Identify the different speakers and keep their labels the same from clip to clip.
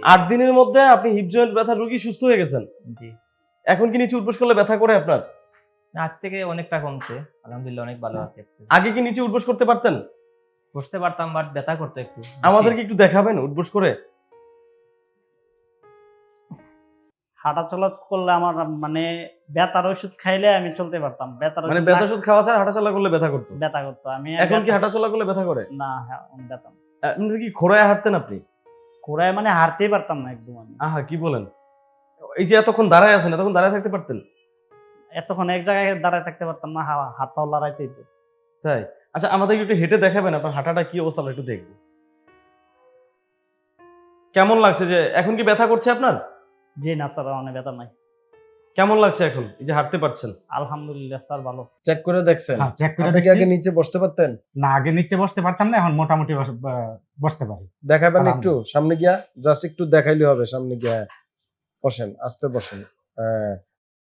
Speaker 1: 8 দিনের মধ্যে আপনি হিপ জয়েন্ট ব্যথা রোগী সুস্থ হয়ে গেছেন।
Speaker 2: জি।
Speaker 1: এখন কি নিচে উঠবোস করলে ব্যথা করে আপনার?
Speaker 2: আগ থেকে অনেকটা কমছে। আলহামদুলিল্লাহ অনেক ভালো আছি একটু।
Speaker 1: আগে কি নিচে উঠবোস করতে পারতেন?
Speaker 2: বসতে পারতাম বাট ব্যথা করতো একটু।
Speaker 1: আমাদেরকে একটু দেখাবেন উঠবোস করে?
Speaker 3: হাঁটাচলা করলে আমার মানে ব্যথার ওষুধ খাইলে আমি চলতে পারতাম। ব্যথার
Speaker 1: মানে
Speaker 3: ওষুধ
Speaker 1: ব্যথা ওষুধ খাওয়া ছাড়া হাঁটাচলা করলে ব্যথা করতো।
Speaker 3: ব্যথা করতো। আমি
Speaker 1: এখন কি হাঁটাচলা করলে ব্যথা করে?
Speaker 3: না, হ্যাঁ, ব্যথা।
Speaker 1: এমনিতে কি খোঁড়ায় হাঁটতেন আপনি?
Speaker 3: ঘোড়ায় মানে হাঁটতেই পারতাম না একদম আমি।
Speaker 1: আহা কি বলেন? এই যে এতক্ষণ দাঁড়ায় আছেন, এতক্ষণ দাঁড়ায় থাকতে পারতেন?
Speaker 3: এতক্ষণ এক জায়গায় দাঁড়ায় থাকতে পারতাম না, হাত পাও লড়াইতে হইতো।
Speaker 1: তাই? আচ্ছা আমাদেরকে একটু হেঁটে দেখাবেন আপনার হাঁটাটা কি অবস্থা আমরা একটু দেখব। কেমন লাগছে যে এখন কি ব্যথা করছে আপনার?
Speaker 3: জি না স্যার, অনেক ব্যথা নাই।
Speaker 1: কেমন লাগছে এখন এই যে হাঁটতে পারছেন?
Speaker 3: আলহামদুলিল্লাহ স্যার, ভালো।
Speaker 4: চেক করে দেখছেন?
Speaker 5: হ্যাঁ, চেক করে
Speaker 4: আপনি কি
Speaker 5: দেখছি।
Speaker 4: আগে নিচে বসতে পারতেন?
Speaker 5: না, আগে নিচে বসতে পারতাম না, এখন মোটামুটি বসতে পারি।
Speaker 4: দেখাবেন একটু
Speaker 5: আলহামদুলিল্লাহ।
Speaker 4: সামনে গিয়া, জাস্ট একটু দেখাইলে হবে সামনে গিয়া। বসেন, আস্তে বসেন। হ্যাঁ,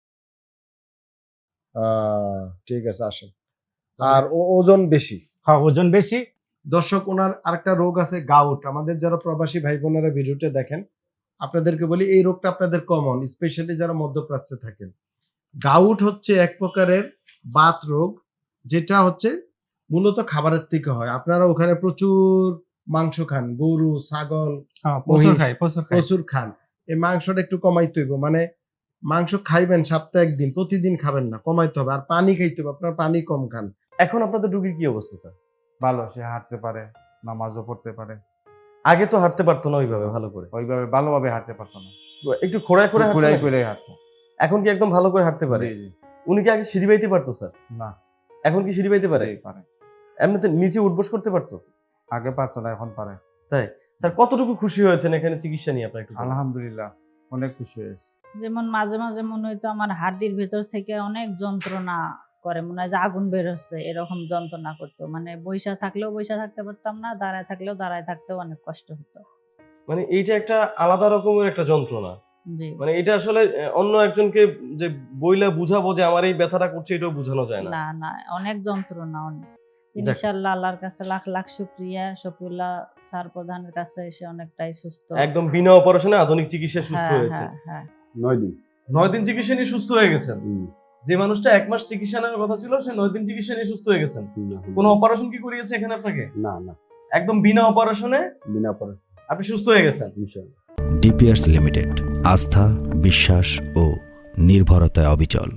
Speaker 4: ঠিক আছে, আসেন। আর ওজন বেশি।
Speaker 5: হ্যাঁ, ওজন বেশি।
Speaker 4: দর্শক, ওনার আরেকটা রোগ আছে, গাউট। আমাদের যারা প্রবাসী ভাই বোনেরা ভিডিওটা দেখেন, আপনাদেরকে বলি এই রোগটা আপনাদের কমন, স্পেশালি যারা মধ্যপ্রাচ্যে থাকেন। গাউট হচ্ছে এক প্রকারের বাত রোগ, যেটা হচ্ছে মূলত খাবারের থেকে হয়। আপনারা ওখানে প্রচুর মাংস খান, গরু, ছাগল,
Speaker 5: হ্যাঁ, প্রচুর
Speaker 4: মহিষ,
Speaker 5: খাই, প্রচুর খাই।
Speaker 4: প্রচুর খান। এই মাংসটা একটু কমাইতে হইব, মানে মাংস খাইবেন সপ্তাহে একদিন, প্রতিদিন খাবেন না, কমাইতে হবে। আর পানি খাইতে হবে, আপনার পানি কম খান।
Speaker 1: এখন আপনাদের রোগীর কি অবস্থা স্যার?
Speaker 6: ভালো, সে হাঁটতে পারে, নামাজও পড়তে পারে,
Speaker 1: আগে তো হাঁটতে পারতো না ওইভাবে ভালো করে,
Speaker 6: ওইভাবে ভালোভাবে হাঁটতে পারতো না,
Speaker 1: একটু খোঁড়ায় করে
Speaker 6: কুলাই
Speaker 1: হাঁটতে
Speaker 6: কুলাই হাঁটতো।
Speaker 1: এখন কি একদম ভালো করে হাঁটতে পারে?
Speaker 6: জি, জি।
Speaker 1: উনি কি আগে সিঁড়ি বাইতে পারতো স্যার?
Speaker 6: না,
Speaker 1: এখন কি সিঁড়ি বাইতে পারে?
Speaker 6: জি, পারে।
Speaker 1: এমনিতে নিচে উঠবোস করতে পারতো?
Speaker 6: আগে পারতো না, এখন পারে।
Speaker 1: তাই স্যার কতটুকু খুশি হয়েছেন এখানে চিকিৎসা নিয়ে আপনার একটু বলুন।
Speaker 6: আলহামদুলিল্লাহ অনেক খুশি হয়েছে।
Speaker 7: যেমন মাঝে মাঝে মনে হইতো আমার হাড্ডির ভেতর থেকে অনেক যন্ত্রণা করে, মনে হয় যে আগুন বের হচ্ছে, এরকম যন্ত্রণা করতো। মানে বইসা থাকলেও বইসা থাকতে পারতাম না, দাঁড়ায় থাকলেও দাঁড়ায় থাকতেও অনেক কষ্ট হতো।
Speaker 1: মানে এইটা একটা আলাদা রকমের একটা যন্ত্রণা।
Speaker 7: জি
Speaker 1: মানে এটা আসলে অন্য একজনকে যে বইলা বুঝাবো যে আমার এই ব্যথাটা করছে এটাও বোঝানো যায় না।
Speaker 7: না না, অনেক যন্ত্রণা, অনেক।
Speaker 1: যাক।
Speaker 7: ইনশাআল্লাহ আল্লাহর কাছে লাখ লাখ শুকরিয়া, শফিউল্লাহ স্যার প্রধানের কাছে এসে অনেকটাই সুস্থ।
Speaker 1: একদম বিনা অপারেশনে আধুনিক চিকিৎসা সুস্থ
Speaker 7: হ্যাঁ,
Speaker 1: হয়েছে।
Speaker 7: হ্যাঁ, হ্যাঁ।
Speaker 4: 9 দিন।
Speaker 1: 9 দিন চিকিৎসা নিয়ে সুস্থ হয়ে গেছেন। যে মানুষটা 1 মাস চিকিৎসা নেওয়ার কথা ছিল সে 9 দিন চিকিৎসা নিয়ে সুস্থ হয়ে গেছেন। কোনো অপারেশন কি করিয়েছে এখানে আপনাকে?
Speaker 4: না না,
Speaker 1: একদম বিনা অপারেশনে
Speaker 4: বিনা অপারেশন,
Speaker 1: আপনি সুস্থ হয়ে গেছেন।
Speaker 4: ইনশাআল্লাহ।
Speaker 8: ডিপিআরস লিমিটেড, আস্থা, বিশ্বাস ও নির্ভরতায় অবিচল।